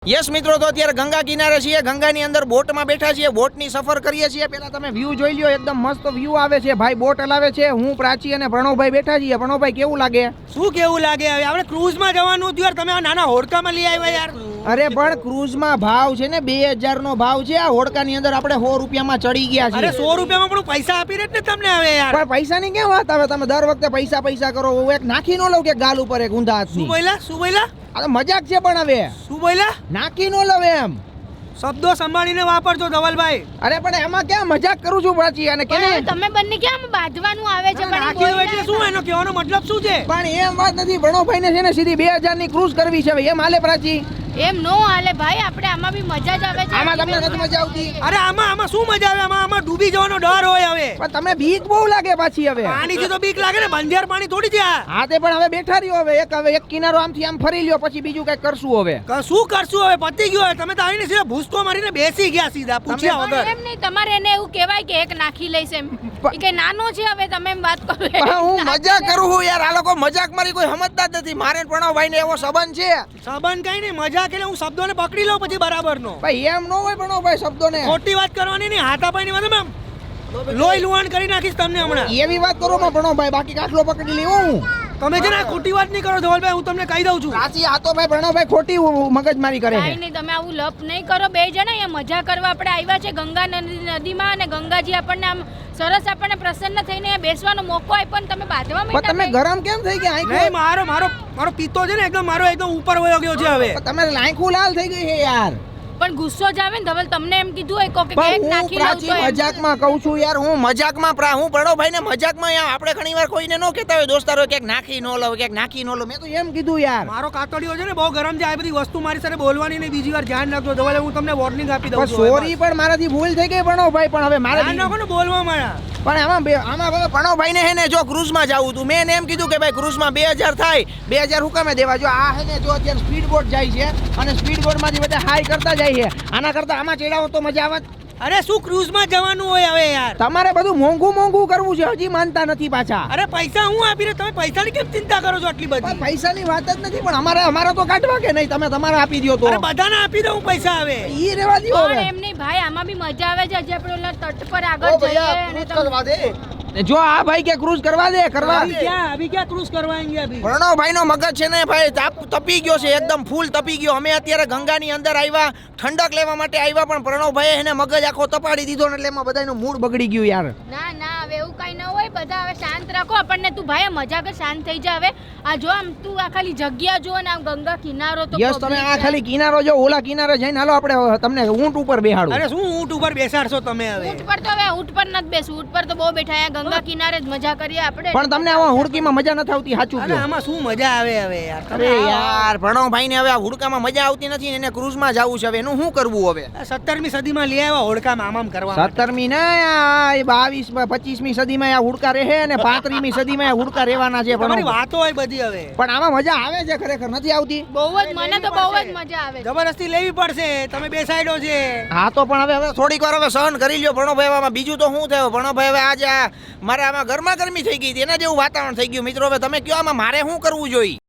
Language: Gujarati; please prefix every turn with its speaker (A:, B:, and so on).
A: યસ મિત્રો, તો અત્યારે ગંગા કિનારે છીએ. ગંગાની અંદર બોટમાં બેઠા છીએ, બોટની સફર કરીએ છીએ. પેલા તમે વ્યૂ જોઈ લ્યો, એકદમ મસ્ત વ્યૂ આવે છે. ભાઈ બોટ હલાવે છે, હું પ્રાચી અને પ્રણવભાઈ બેઠા છીએ. પ્રણવભાઈ કેવું લાગે?
B: શું કેવું લાગે? હવે આપણે ક્રૂઝમાં જવાનું હતું યાર, તમે આ નાના હોડકામાં લઈ આવ્યા યાર.
A: અરે પણ ક્રૂઝમાં ભાવ છે ને 2000 નો ભાવ છે. આ હોડકાની અંદર આપણે 100 રૂપિયામાં ચડી ગયા છીએ.
B: અરે 100 રૂપિયામાં પણ પૈસા આપી દે ને તમને હવે યાર.
A: પણ પૈસાની કેમ વાત આવે? તમે દર વખતે પૈસા પૈસા કરો. હું એક નાખી નો લઉં કે ગાલ ઉપર એક ઊંધા હાથની?
B: શું બોલ્યા?
A: આ તો મજાક છે. પણ હવે
B: શું બોલ્યા?
A: નાખી નો લઉં એમ.
B: શબ્દો સંભાળીને વાપરજો ધવલભાઈ.
A: અરે પણ એમાં ક્યાં મજાક કરું છું પ્રાચી? અને કે
C: તમે બંને કેમ બાંધવાનું આવે છે? પણ
B: નાખી દો એટલે શું? એનો કહેવાનો મતલબ શું છે?
A: પણ એમ વાત નથી. પ્રણવભાઈ ને છે ને સીધી 2000 ની ક્રૂઝ કરવી છે. એમ હાલે પ્રાચી?
C: એમ નો હાલે ભાઈ, આપણે આમાં બી મજા જ આવે છે.
A: આમાં તમને નથી મજા આવતી?
B: અરે આમાં શું મજા આવે? આમાં ડૂબી જવાનો ડર હોય હવે.
A: પણ તમને બીક બહુ લાગે પાછી હવે.
B: પાણીથી તો બીક લાગે ને, બંધિયાર પાણી થોડી છે આ.
A: હા તે પણ હવે બેઠા રહ્યો. હવે એક કિનારો આમથી આમ ફરી લ્યો, પછી બીજું કઈ કરશું હવે.
B: શું કરશું હવે? પતી ગયું હવે. તમે તો આવીને સીધા ભૂસકો મારીને બેસી ગયા સીધા, પૂછ્યા વગર.
C: એમ નહીં, તમારે એને એવું કહેવાય કે એક નાખી લઈશ એમ. એ કે નાનો છે હવે, તમે એમ વાત કરો.
A: પણ હું મજાક કરું છું યાર. આ લોકો મજાક મારી કોઈ સમજતા જ નથી. મારે પ્રણવભાઈ ને એવો સંબંધ છે.
B: સંબંધ કઈ નહીં, મજાક એટલે હું શબ્દોને પકડી લઉં પછી બરાબર નો.
A: ભાઈ એમ નો હોય પ્રણવભાઈ શબ્દોને.
B: ખોટી વાત કરવાની નહીં, હાથાપાઈની વાત મેમ. લોહી લુહાણ કરી નાખીશ તમને હમણાં.
A: એવી વાત કરો માં પ્રણવભાઈ, બાકી કાટલો પકડી લેવો હું.
B: તમે છે ને ખોટી વાત નહીં કરો ધવલભાઈ, હું તમને કહી દઉં છું.
A: સાચી આ તો ભાઈ પ્રણવભાઈ ખોટી મગજમારી કરે છે.
C: કાઈ નહીં, તમે આવું લપ નહીં કરો. બે જણા અહીંયા મજા કરવા આપણે આવ્યા છે ગંગા નદીમાં, અને ગંગાજી આપણને આમ સરસ આપણને પ્રસન્ન થઈને બેસવાનો મોકો આપ્યો, ને તમે બાંધવા
A: પણ તમે
C: માંડ્યા.
A: ગરમ કેમ થઈ ગયા?
B: નહીં, મારો પિત્તો છે ને એકદમ ઉપર વયો ગયો છે હવે.
A: તમે લાંખું લાલ થઈ ગઈ છે યાર.
C: પણ ગુસ્સો જ આવે ને ધવલ, તમને એમ કીધું હોય કોકે કે
A: પણ
C: એક
A: હું
C: નાખી લઉં
A: પ્રાચી
C: તો એમ.
A: મજાકમાં કહું છું યાર. હું મજાકમાં હું પ્રણવભાઈ ને મજાકમાં આપણે ઘણીવાર કોઈને નો કહેતા હોય દોસ્તારો કે નાખી નો લવ, કે નાખી નો લવ. મેં તો એમ કીધું યાર.
B: મારો કાતડિયો છે ને બહુ ગરમ છે. આ બધી વસ્તુ મારી સાથે બોલવાની નહીં. બીજી વાર ધ્યાન રાખજો ધવલ, હું તમને વોર્નિંગ આપી દઉં
A: પણ
B: છું.
A: સોરી, પણ મારાથી ભૂલ થઈ ગઈ પ્રણવભાઈ. પણ હવે મારે
B: ધ્યાન રાખો ને બોલવા મારા.
A: પણ આમાં હવે પ્રણવભાઈ ને હે ને જો ક્રૂઝમાં જાવું હતું, મેં એમ કીધું કે ભાઈ ક્રૂઝમાં 2000 થાય. 2000 હુકામે દેવા? જો આ હે ને જો અત્યારે સ્પીડ બોટ જાય છે, અને સ્પીડ બોટ માંથી બધા હાઈ કરતા જાય છે. આના કરતા આમાં ચડાવો તો મજા આવે.
B: અરે શું ક્રૂઝમાં જવાનું હોય હવે યાર?
A: તમારે બધું મોંઘું કરવું છે. હજી માનતા નથી પાછા.
B: અરે પૈસા હું આપી રહ્યો, તમે પૈસાની કેમ ચિંતા કરો છો આટલી બધી?
A: પૈસાની વાત જ નથી, પણ અમારે તો કાઢવા કે નહીં? તમે તમારે આપી દો તો.
B: અરે બધાને આપી દઉં પૈસા હવે.
A: ઈ રેવા દો
C: પણ
A: હવે.
C: એમ નહીં ભાઈ, આમાં બી મજા આવે છે. હજી આપણે ઓલા તટ પર આગળ જઈએ અને તમે
A: જો આ ભાઈ કે ક્રૂઝ કરવા દે.
B: અભી ક્યાં ક્રૂઝ કરવાएंगे અભી?
A: પ્રણવભાઈ નો મગજ છે ને ભાઈ તપી ગયો છે, એકદમ ફૂલ તપી ગયો. અમે અત્યારે ગંગાની અંદર આવ્યા, ઠંડક લેવા માટે આવ્યા, પણ પ્રણવભાઈ એને મગજ આખો તપાડી દીધો ને એટલે એમાં બધાનું મૂડ બગડી ગયું યાર.
C: ના હવે એવું કઈ ન હોય. બધા હવે શાંત રાખો આપણને. તું ભાઈ મજા કર, શાંત થઈ જા હવે. આ જો આમ તું આ ખાલી જગ્યા જો ને આમ ગંગા કિનારો તો
A: યસ, તમે આ ખાલી કિનારો જો, ઓલા કિનારે જઈને હાલો આપણે તમને ઊંટ ઉપર બેહાડું.
B: અરે શું ઊંટ ઉપર બેસાડશો તમે હવે?
C: ઊંટ પર તો હવે ઊંટ પર નથી બેસવું. ઊંટ પર તો બહુ બેઠા. ગંગા કિનારે જ મજા કરીએ આપણે.
A: પણ તમને આવા હુડકીમાં મજા નથી આવતી? સાચું
B: અરે
A: કહો.
B: આમાં શું મજા આવે હવે યાર?
A: અરે યાર પ્રણવભાઈ ને હવે આ હુડકામાં મજા આવતી નથી, એને ક્રૂઝમાં જવું છે. હવે એનું શું કરવું હવે?
B: 17મી સદીમાં લઈ આવ્યા હોડકામાં આમ કરવા.
A: 17મી ને 22 25મી સદીમાં આ હુડકા રહે, અને 35મી સદીમાં આ હુડકા રહેવાના છે.
B: તમારી
A: પણ
B: વાતો હોય બધી હવે.
A: આમાં મજા આવે છે ખરેખર? નથી આવતી?
C: બહુ જ, મને તો બહુ જ મજા આવે.
B: જબરદસ્તી લેવી પડશે, તમે બેસાડ્યો છે.
A: હા તો પણ હવે થોડીક વાર હવે સહન કરી લ્યો પ્રણવભાઈ. આમાં બીજું તો શું થયું પ્રણવભાઈ? હવે આજે મારે આમાં ગરમા ગરમી થઈ ગઈ હતી, એના જેવું વાતાવરણ થઈ ગયું. મિત્રો હવે તમે કયો આમાં મારે શું કરવું જોઈએ?